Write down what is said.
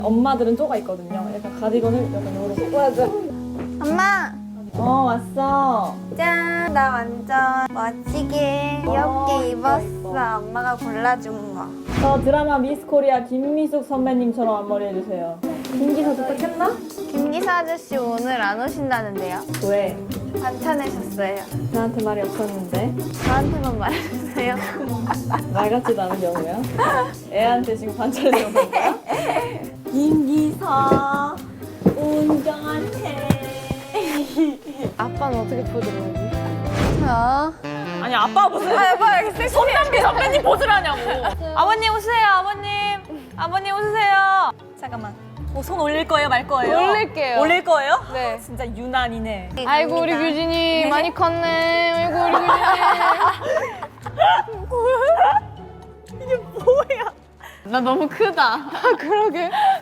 엄마들은 쪼가 있거든요. 약간 가디건을 약간 요렇게. 맞아. 엄마! 왔어. 짠! 나 완전 멋지게 귀엽게 입었어. 엄마가 골라준 거. 저 드라마 미스 코리아 김미숙 선배님처럼 앞머리 해주세요. 김기사 도착했나? 김기사 아저씨 오늘 안 오신다는데요? 왜? 반찬해셨어요. 나한테 말이 없었는데. 저한테만 말해주세요. 말 같지도 않은 경우야. 애한테 지금 반찬해주는 거야? 김기사 운전해. 아빠는 어떻게 포즈를 하지? 자. 아니 아빠 무슨 손담비 선배님 포즈를 하냐고. 아버님 오세요. 아버님 오세요. 잠깐만. 손 올릴 거예요, 말 거예요? 올릴게요. 올릴 거예요? 네. 진짜 유난이네. 아이고 우리 규진이 많이 컸네. 아이고 우리 규진이. 이게 뭐야? 나 너무 크다. 그러게.